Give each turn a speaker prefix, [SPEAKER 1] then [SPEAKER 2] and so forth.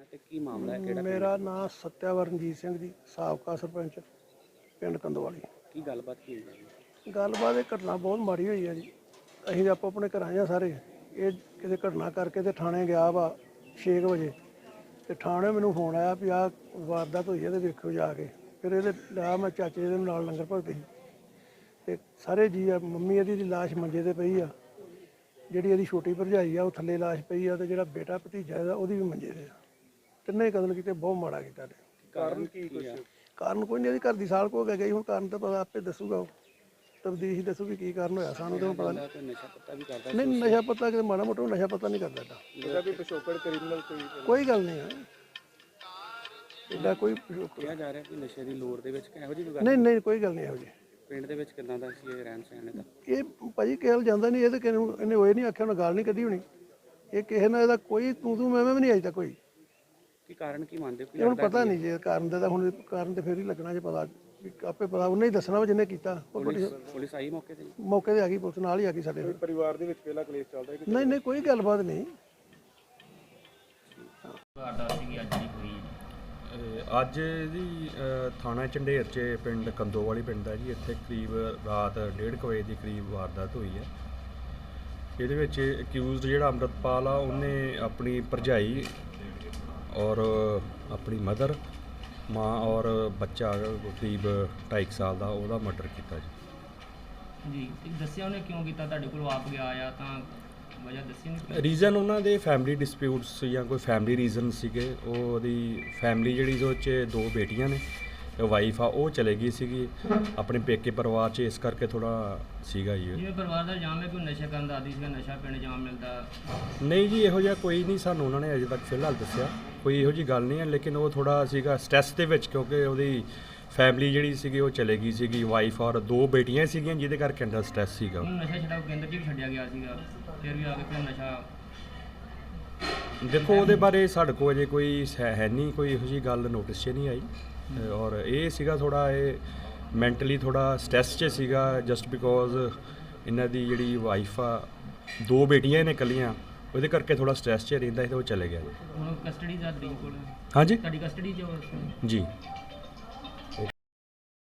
[SPEAKER 1] ਤੇ ਕੀ ਮਾਮਲਾ ਹੈ ਕਿਹੜਾ
[SPEAKER 2] ਮੇਰਾ ਨਾਮ ਸਤਿਆਵਰ ਰਣਜੀਤ ਸਿੰਘ ਜੀ, ਸਾਬਕਾ ਸਰਪੰਚ ਪਿੰਡ ਕੰਦੋਵਾਲੀ।
[SPEAKER 1] ਕੀ ਗੱਲਬਾਤ ਕੀ ਹੋਈ ਹੈ?
[SPEAKER 2] ਗੱਲਬਾਤ ਇਹ ਘਟਨਾ ਬਹੁਤ ਮਾੜੀ ਹੋਈ ਹੈ ਜੀ। ਅਸੀਂ ਆਪੋ ਆਪਣੇ ਘਰਾਂ 'ਚ ਆ ਸਾਰੇ। ਇਹ ਕਿਤੇ ਘਟਨਾ ਕਰਕੇ ਤੇ ਥਾਣੇ ਗਿਆ ਵਾ 6 ਵਜੇ ਤੇ ਥਾਣੇ ਮੈਨੂੰ ਫੋਨ ਆਇਆ ਵੀ ਆਹ ਵਾਰਦਾਤ ਹੋਈ ਹੈ ਤੇ ਵੇਖੋ ਜਾ ਕੇ। ਫਿਰ ਇਹਦੇ ਲਿਆ ਮੈਂ ਚਾਚੇ ਦੇ ਨਾਲ ਲੰਗਰ ਭਗਤ ਸੀ ਤੇ ਸਾਰੇ ਜੀ ਆ। ਮੰਮੀ ਇਹਦੀ ਦੀ ਲਾਸ਼ ਮੰਜੇ ਤੇ ਪਈ ਆ, ਜਿਹੜੀ ਇਹਦੀ ਛੋਟੀ ਭਰਜਾਈ ਆ ਉਹ ਥੱਲੇ ਲਾਸ਼ ਪਈ ਆ, ਤੇ ਜਿਹੜਾ ਬੇਟਾ ਭਤੀਜਾ ਇਹਦਾ ਉਹਦੀ ਵੀ ਮੰਜੇ ਤੇ ਆ। ਤਿੰਨੇ ਕਤਲ ਕੀਤੇ, ਬਹੁਤ ਮਾੜਾ ਕੀਤਾ।
[SPEAKER 1] ਕਾਰਨ ਕੀ ਕੁਛ?
[SPEAKER 2] ਕਾਰਨ ਕੋਈ ਨਹੀਂ, ਇਹਦੀ ਘਰ ਦੀ ਸਾਲ ਕੋ ਗਈ। ਹੁਣ ਕਾਰਨ ਤਾਂ ਪਤਾ ਆਪੇ ਦੱਸੂਗਾ, ਉਹ ਤਬਦੀਸ਼ ਦੱਸੂਗੀ ਕੀ ਕਾਰਨ ਹੋਇਆ। ਸਾਨੂੰ ਤਾਂ ਪਤਾ ਨਹੀਂ।
[SPEAKER 1] ਕੋਈ ਨਸ਼ਾ ਪੱਤਾ ਵੀ ਕਰਦਾ?
[SPEAKER 2] ਨਹੀਂ, ਨਸ਼ਾ ਪੱਤਾ ਕਿਤੇ ਮਾੜਾ ਮੋਟਾ ਨਸ਼ਾ ਪੱਤਾ ਨਹੀਂ ਕਰਦਾ ਏਡਾ।
[SPEAKER 1] ਇਹਦਾ ਕੋਈ ਪਿਛੋਕੜ ਕ੍ਰਿਮੀਨਲ
[SPEAKER 2] ਕੋਈ ਗੱਲ ਨਹੀਂ ਹੈ ਏਡਾ, ਕੋਈ
[SPEAKER 1] ਕਿਹਾ ਜਾ ਰਿਹਾ ਕਿ ਨਸ਼ੇ ਦੀ ਲੋੜ ਦੇ ਵਿੱਚ ਇਹੋ ਜਿਹੀ ਗੱਲ
[SPEAKER 2] ਨਹੀਂ ਨਹੀਂ, ਕੋਈ ਗੱਲ ਨਹੀਂ ਇਹੋ ਜਿਹੀ।
[SPEAKER 1] ਪਿੰਡ ਦੇ ਵਿੱਚ ਕਿੱਦਾਂ ਦਾ ਸੀ ਇਹ ਰਹਿਣ ਸਹਿਣ ਦਾ?
[SPEAKER 2] ਇਹ ਭਾਜੀ ਕਿਹਲ ਜਾਂਦਾ ਨਹੀਂ, ਇਹ ਤਾਂ ਕਿਸੇ ਨੂੰ ਇਹਨੇ ਹੋਏ ਨਹੀਂ ਆਖਿਆ, ਉਹਨੇ ਗਾਲ ਨਹੀਂ ਕੱਢੀ ਹੋਣੀ। ਇਹ ਕਿਸੇ ਨਾਲ ਇਹਦਾ ਕੋਈ ਤੂੰ ਮੈਂ ਵੀ ਨਹੀਂ ਅਜੇ ਤੱਕ ਕੋਈ।
[SPEAKER 1] ਕੀ ਕਾਰਨ ਕੀ ਮੰਨਦੇ ਹੋ?
[SPEAKER 2] ਇਹ ਹੁਣ ਪਤਾ ਨਹੀਂ ਜੇ ਕਾਰਨ ਦਾ, ਤਾਂ ਹੁਣ ਕਾਰਨ ਤੇ ਫਿਰ ਹੀ ਲੱਗਣਾ ਜੇ ਪਤਾ। ਵੀ ਆਪੇ ਪਤਾ ਉਹਨੇ ਹੀ ਦੱਸਣਾ ਵਾ ਜਿਹਨੇ ਕੀਤਾ।
[SPEAKER 1] ਪੁਲਿਸ ਆਈ ਮੌਕੇ ਤੇ?
[SPEAKER 2] ਮੌਕੇ ਤੇ ਆ ਗਈ ਪੁਲਿਸ, ਨਾਲ ਹੀ ਆ ਗਈ ਸਾਡੇ।
[SPEAKER 1] ਪਰਿਵਾਰ ਦੇ ਵਿੱਚ ਪਹਿਲਾ ਕਲੇਸ਼ ਚੱਲਦਾ ਹੈ?
[SPEAKER 2] ਨਹੀਂ ਨਹੀਂ, ਕੋਈ ਗੱਲਬਾਤ ਨਹੀਂ।
[SPEAKER 3] ਅੱਜ ਜੀ ਥਾਣਾ ਝੰਡੇਰ 'ਚ ਪਿੰਡ ਕੰਦੋਵਾਲੀ ਪਿੰਡ ਹੈ ਜੀ। ਇੱਥੇ ਕਰੀਬ ਰਾਤ 1:30 ਵਜੇ ਦੇ ਕਰੀਬ ਵਾਰਦਾਤ ਹੋਈ ਹੈ। ਇਹਦੇ ਵਿੱਚ ਅਕਿਊਜ਼ਡ ਜਿਹੜਾ ਅੰਮ੍ਰਿਤਪਾਲ ਆ, ਉਹਨੇ ਆਪਣੀ ਭਰਜਾਈ ਔਰ ਆਪਣੀ ਮਦਰ, ਮਾਂ ਔਰ ਬੱਚਾ ਕਰੀਬ 2.5 ਸਾਲ ਦਾ, ਉਹਦਾ ਮਰਡਰ ਕੀਤਾ ਜੀ।
[SPEAKER 4] ਤੇ ਦੱਸਿਆ ਉਹਨੇ ਕਿਉਂ ਕੀਤਾ? ਤੁਹਾਡੇ ਕੋਲ ਆਪ ਗਿਆ ਆ ਤਾਂ ਵਜ੍ਹਾ ਦੱਸੀ ਨਹੀਂ?
[SPEAKER 3] ਰੀਜ਼ਨ ਉਹਨਾਂ ਦੇ ਫੈਮਿਲੀ ਡਿਸਪਿਊਟਸ ਜਾਂ ਕੋਈ ਫੈਮਿਲੀ ਰੀਜ਼ਨ ਸੀਗੇ। ਉਹਦੀ ਫੈਮਿਲੀ ਜਿਹੜੀ ਉਹ 'ਚ 2 ਬੇਟੀਆਂ ਨੇ, ਵਾਈਫ ਆ ਉਹ ਚਲੇ ਗਈ ਸੀਗੀ ਆਪਣੇ ਪੇਕੇ ਪਰਿਵਾਰ 'ਚ, ਇਸ ਕਰਕੇ ਥੋੜਾ ਸੀਗਾ ਜੀ।
[SPEAKER 4] ਜਿਵੇਂ ਪਰਿਵਾਰ ਦਾ ਇਲਜ਼ਾਮ ਹੈ ਕਿ ਨਸ਼ਾ ਕਰਨ ਦਾ ਆਦੀ ਸੀਗਾ, ਨਸ਼ਾ ਪਿੰਡ ਜਾਮ ਮਿਲਦਾ।
[SPEAKER 3] ਨਹੀਂ ਜੀ, ਇਹੋ ਜਿਹਾ ਕੋਈ ਨਹੀਂ ਸਾਨੂੰ ਉਹਨਾਂ ਨੇ ਅਜੇ ਤੱਕ ਫਿਲਹਾਲ ਦੱਸਿਆ। ਕੋਈ ਇਹੋ ਜਿਹੀ ਗੱਲ ਨਹੀਂ ਹੈ, ਲੇਕਿਨ ਉਹ ਥੋੜਾ ਸੀਗਾ ਸਟ੍ਰੈਸ ਦੇ ਵਿੱਚ, ਕਿਉਂਕਿ ਉਹਦੀ ਫੈਮਿਲੀ ਜਿਹੜੀ ਸੀਗੀ ਉਹ ਚਲੇ ਗਈ ਸੀਗੀ, ਵਾਈਫ ਔਰ 2 ਬੇਟੀਆਂ ਸੀਗੀਆਂ, ਜਿਹਦੇ ਕਰਕੇ ਅੰਦਰ ਸਟ੍ਰੈਸ ਸੀਗਾ।
[SPEAKER 4] ਉਹਨੂੰ ਨਸ਼ਾ ਛਡਾਓ ਕੇਂਦਰ 'ਚ ਵੀ ਛੱਡਿਆ ਗਿਆ ਸੀਗਾ, ਫਿਰ ਵੀ ਆ ਕੇ ਫਿਰ ਨਸ਼ਾ।
[SPEAKER 3] ਦੇਖੋ ਉਹਦੇ ਬਾਰੇ ਸਾਡੇ ਕੋਲ ਅਜੇ ਕੋਈ ਹੈ ਨਹੀਂ, ਕੋਈ ਇਹੋ ਜਿਹੀ ਗੱਲ ਨੋਟਿਸ 'ਚ ਨਹੀਂ ਆਈ। ਔਰ ਇਹ ਸੀਗਾ ਥੋੜਾ, ਇਹ ਮੈਂਟਲੀ ਥੋੜਾ ਸਟ੍ਰੈਸ 'ਚ ਸੀਗਾ, ਜਸਟ ਬਿਕੋਜ਼ ਇਹਨਾਂ ਦੀ ਜਿਹੜੀ ਵਾਈਫ ਆ, 2 ਬੇਟੀਆਂ ਨੇ ਇਕੱਲੀਆਂ, ਉਹਦੇ ਕਰਕੇ ਥੋੜਾ ਸਟ੍ਰੈਸ 'ਚ ਰਹਿੰਦਾ ਸੀ ਤੇ ਉਹ ਚਲੇ ਗਿਆ ਜੀ।
[SPEAKER 4] ਹੁਣ ਕਸਟਡੀ ਦਾ ਤੁਹਾਡੇ ਕੋਲ?
[SPEAKER 3] ਹਾਂਜੀ
[SPEAKER 4] ਤੁਹਾਡੀ ਕਸਟਡੀ 'ਚ
[SPEAKER 3] ਜੀ।